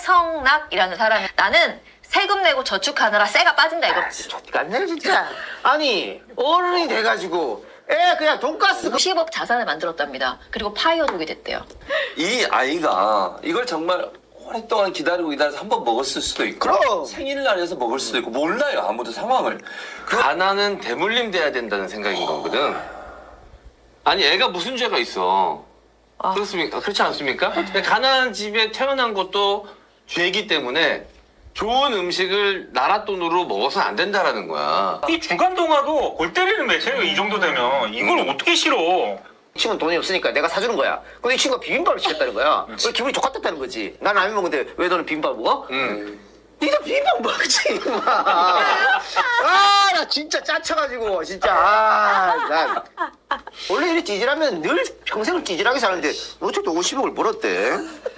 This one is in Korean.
최성락이라는 사람이 나는 세금 내고 저축하느라 쇠가 빠진다 이거. 족같네 진짜. 아니 어른이 돼가지고 애 그냥 돈가스 10억 자산을 만들었답니다. 그리고 파이어족이 됐대요. 이 아이가 이걸 정말 오랫동안 기다려서 한 번 먹었을 수도 있고 그럼. 생일날에서 먹을 수도 있고 몰라요 아무도 상황을. 가난은 대물림 돼야 된다는 생각인 거거든. 아니 애가 무슨 죄가 있어? 그렇습니까? 그렇지 않습니까? 가난한 집에 태어난 것도 죄이기 때문에 좋은 음식을 나라 돈으로 먹어서는 안 된다라는 거야. 이 중간 동화도 골 때리는 매체예요. 이 정도 되면 이걸 어떻게 싫어? 이 친구는 돈이 없으니까 내가 사주는 거야. 근데 이 친구가 비빔밥을 시켰다는 거야. 그래서 기분이 족같았다는 거지. 난 라면 먹는데 왜 너는 비빔밥 먹어? 니도 비빔밥 먹지 임마. 나 진짜 짜쳐가지고 진짜 난 원래 이렇게 찌질하면 늘 평생을 찌질하게 사는데 어쨌든 50억을 벌었대.